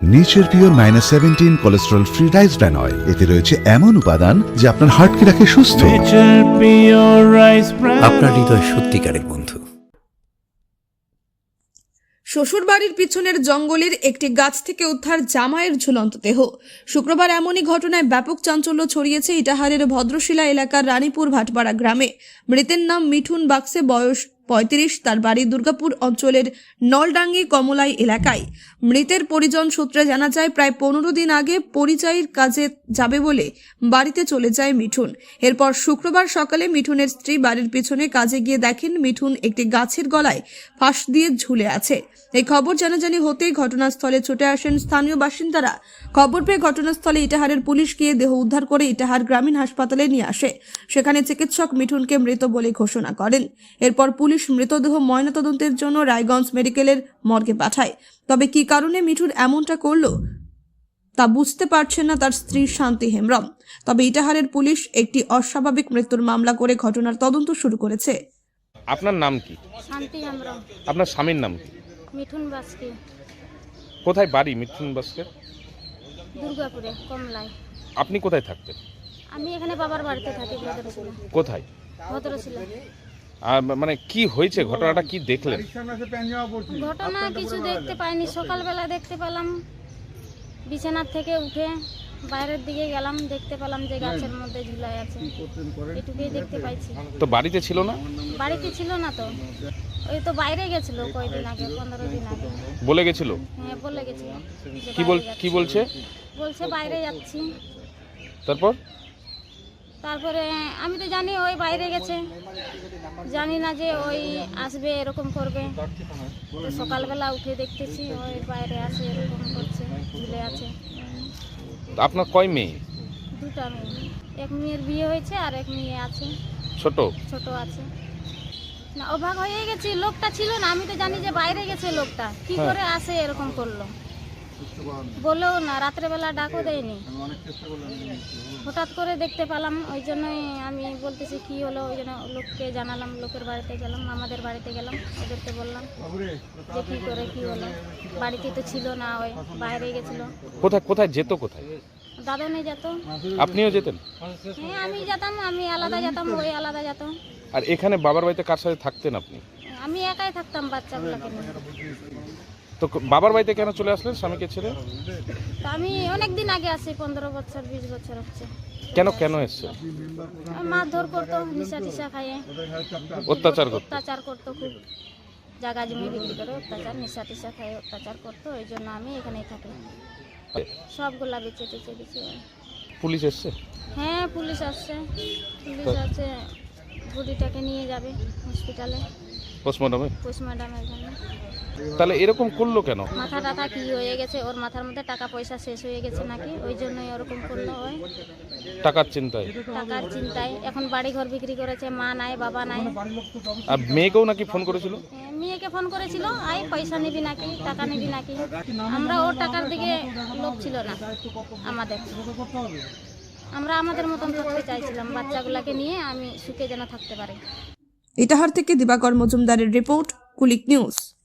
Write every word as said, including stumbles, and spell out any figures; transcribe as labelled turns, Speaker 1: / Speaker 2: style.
Speaker 1: Nature pure minus seventeen cholesterol free rice bran oil, এতে রয়েছে এমন উপাদান যা আপনার হার্টকে রাখে সুস্থ।
Speaker 2: আপনার হৃদয় সত্যিকারের বন্ধু।
Speaker 3: শ্বশুরবাড়ির পিছনের জঙ্গলের একটি গাছ থেকে উদ্ধার জামাইয়ের ঝুলন্ত দেহ। শুক্রবার এমনই ঘটনায় ব্যাপক চাঞ্চল্য ছড়িয়েছে ইটাহারের ভদ্রশিলা এলাকার রানীপুর ভাটপাড়া গ্রামে। মৃতের নাম মিঠুন বাক্সে, বয়স পঁয়ত্রিশ। তার বাড়ি দুর্গাপুর অঞ্চলের নলডাঙ্গি কমলাই এলাকায়। মৃতের পরিজন সূত্রে জানা যায়, প্রায় পনেরো দিন আগে পরিচয়ের কাজে যাবে বলে বাড়িতে চলে যায় মিঠুন। এরপর শুক্রবার সকালে মিঠুনের স্ত্রী বাড়ির পিছনে কাজে গিয়ে দেখেন মিঠুন একটি গাছের গলায় ফাঁস দিয়ে ঝুলে আছে। এই খবর জানাজানি হতেই ঘটনাস্থলে ছুটে আসেন স্থানীয় বাসিন্দারা। খবর পেয়ে ঘটনাস্থলে ইটাহারের পুলিশ গিয়ে দেহ উদ্ধার করে ইটাহার গ্রামীণ হাসপাতালে নিয়ে আসে। সেখানে চিকিৎসক মিঠুনকে মৃত বলে ঘোষণা করেন। এরপর পুলিশ মৃতদেহ ময়নাতদন্তের জন্য রায়গঞ্জ মেডিকেলের মর্গে পাঠায়। তবে কি কারণে মিঠুন এমনটা করল তা বুঝতে পারছেন না তার স্ত্রী শান্তি হেমব্রম। তবে ইটাহারের পুলিশ একটি অস্বাভাবিক মৃত্যুর মামলা করে ঘটনার তদন্ত শুরু করেছে।
Speaker 4: আপনার নাম কি?
Speaker 5: শান্তি হেমব্রম।
Speaker 4: আপনার স্বামীর নাম কি?
Speaker 5: মিঠুন বাস্কে।
Speaker 4: কোথায় বাড়ি মিঠুন বাস্কে?
Speaker 5: দুর্গাপুরে কমলায়।
Speaker 4: আপনি কোথায় থাকতেন?
Speaker 5: আমি এখানে বাবার বাড়িতে থাকি, ভদ্রশিলা।
Speaker 4: কোথায়?
Speaker 5: ভদ্রশিলা।
Speaker 4: আর মানে কি হয়েছে, ঘটনাটা কি দেখলেন?
Speaker 5: ঘটনা কিছু দেখতে পাইনি, সকালবেলা দেখতে পেলাম। বিছানার থেকে উঠে বাইরের দিকে গেলাম, দেখতে পেলাম যে গাছের মধ্যে ঝুলাই আছে। এটুকুই দেখতে পাইছি।
Speaker 4: তো বাড়িতে ছিল না?
Speaker 5: বাড়িতে ছিল না তো, ওই তো বাইরে গেছিল কয়দিন আগে, পনেরো দিন আগে।
Speaker 4: বলে গেছিল?
Speaker 5: হ্যাঁ বলে গেছিল।
Speaker 4: কি বল কি বলছে?
Speaker 5: বলছে বাইরে যাচ্ছি।
Speaker 4: তারপর?
Speaker 5: তারপরে আমি তো জানি ওই বাইরে গেছে, জানি না যে ওই আসবে এরকম করবে। তো সকালবেলা উঠে দেখতেছি ওই বাইরে আসে, এরকম করছে, ঝুলে আছে।
Speaker 4: আপনার কয় মেয়ে?
Speaker 5: দুটা মেয়ে, এক মেয়ের বিয়ে হয়েছে আর এক মেয়ে আছে,
Speaker 4: ছোট
Speaker 5: ছোট আছে। না অবাক হয়ে গেছি, লোকটা ছিল না, আমি তো জানি যে বাইরে গেছে লোকটা, কি করে আসে এরকম করলো বলেও না, রাত্রেবেলা ডাকও দেয়নি। হঠাৎ করে দেখতে পেলাম, ওই জন্যই আমি বলতেছি কি হলো। ওই জন্য লোককে জানালাম, লোকের বাড়িতে গেলাম, আমাদের বাড়িতে গেলাম, ওদেরকে বললাম যে কী করে কি হলো। বাড়িতে তো ছিল না, ওই বাইরে গেছিল।
Speaker 4: কোথায় কোথায় যেত? কোথায়?
Speaker 5: দাদনে যেত।
Speaker 4: আপনিও যেতেন?
Speaker 5: হ্যাঁ আমি যেতাম, আমি আলাদা যেতাম, ওই আলাদা যেত।
Speaker 4: আর এখানে বাবার বাড়িতে কার সাথে থাকতেন আপনি?
Speaker 5: আমি একাই থাকতাম বাচ্চাগুলোকে নিয়ে।
Speaker 4: তো বাবার বাড়িতে কেন চলে আসলেন স্বামীকে ছেড়ে?
Speaker 5: তো আমি অনেক দিন আগে আসি, পনেরো বছর বিশ বছর হচ্ছে।
Speaker 4: কেন কেন এসছে?
Speaker 5: মারধর করতো, নিশা টিশা খাইয়ে
Speaker 4: অত্যাচার করতো?
Speaker 5: অত্যাচার করতো খুব, জায়গা জমি বিক্রি করে অত্যাচার, নিশা টিশা খাইয়ে অত্যাচার করতো। ওই জন্য আমি এখানেই থাকি। সবগুলা বেঁচে টেচে দিচ্ছি।
Speaker 4: পুলিশ এসছে?
Speaker 5: হ্যাঁ পুলিশ আসছে, পুলিশ আছে, বুড়িটাকে নিয়ে যাবে হসপিটালে
Speaker 4: পোস্টমর্টমে।
Speaker 5: পোস্টমর্টমের জন্য।
Speaker 4: তাহলে এরকম করলো কেন?
Speaker 5: মাথা টাথা কি হয়ে গেছে ওর, মাথার মধ্যে টাকা পয়সা শেষ হয়ে গেছে নাকি, ওই জন্যই ওরকম করলো। ওই
Speaker 4: টাকার চিন্তায়?
Speaker 5: টাকার চিন্তায়। এখন বাড়ি ঘর বিক্রি করেছে, মা নাই বাবা নাই।
Speaker 4: আর মেয়েকেও নাকি ফোন করেছিল?
Speaker 5: মেয়েকে ফোন করেছিল, আই পয়সা নিবি নাকি, টাকা নিবি নাকি। আমরা ওর টাকার দিকে লোভ ছিল না আমাদের, আমরা আমাদের মতন থাকতে চাইছিলাম, বাচ্চাগুলোকে নিয়ে আমি সুখে যেন থাকতে পারি।
Speaker 3: ইটাহার থেকে দিবাকর মজুমদারের রিপোর্ট, কুলিক নিউজ।